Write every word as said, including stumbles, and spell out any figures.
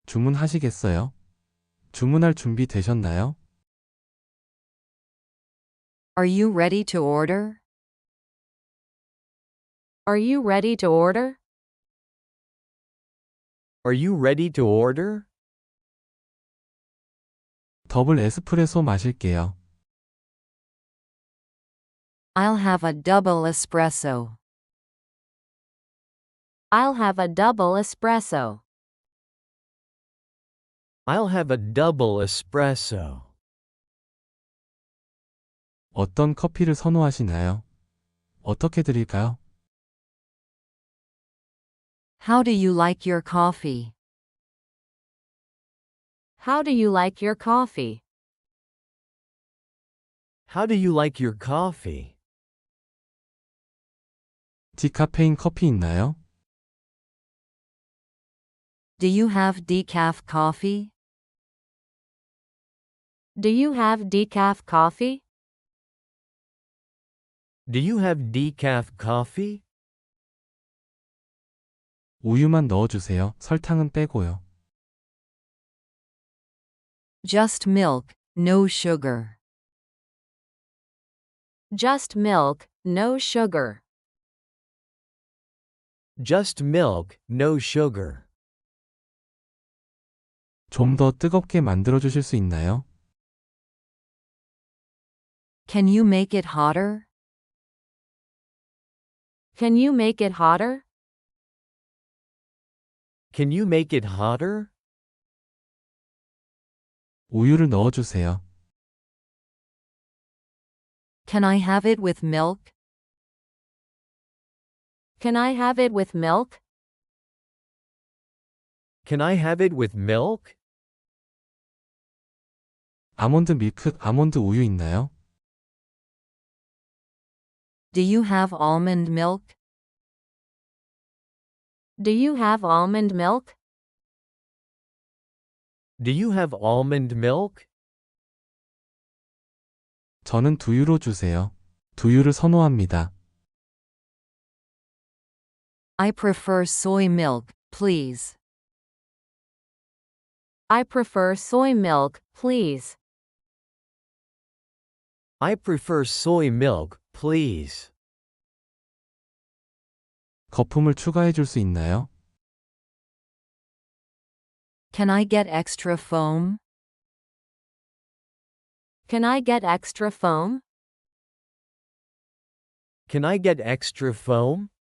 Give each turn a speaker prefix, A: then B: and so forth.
A: 주문하시겠어요? 주문할 준비 되셨나요?
B: Are you ready to order? Are you ready to order?
C: Are you ready to order?
A: 더블 에스프레소 마실게요.
B: I'll have a double espresso. I'll have a double espresso.
C: I'll have a double espresso.
A: 어떤 커피를 선호하시나요? 어떻게 드릴까요?
B: How do you like your coffee? How do you like your coffee?
C: How do you like your coffee?
A: 디카페인 커피 있나요?
B: Do you have decaf coffee? Do you have decaf coffee?
C: Do you have decaf coffee?
A: 우유만 넣어주세요. 설탕은 빼고요.
B: Just milk, no sugar. Just milk, no sugar.
C: Just milk, no sugar.
A: 좀 더 뜨겁게 만들어주실 수 있나요?
B: Can you make it hotter? Can you make it hotter?
C: Can you make it hotter?
A: 우유를 넣어주세요.
B: Can I have it with milk? Can I have it with milk?
C: Can I have it with milk?
A: 아몬드 밀크, 아몬드 우유 있나요?
B: Do you have almond milk? Do you have almond milk?
C: Do you have almond milk?
A: 저는 두유로 주세요. 두유를 선호합니다.
B: I prefer soy milk, please. I prefer soy milk, please.
C: I prefer soy milk, please.
A: 거품을 추가해 줄 수 있나요?
B: Can I get extra foam? Can I get extra foam?
C: Can I get extra foam?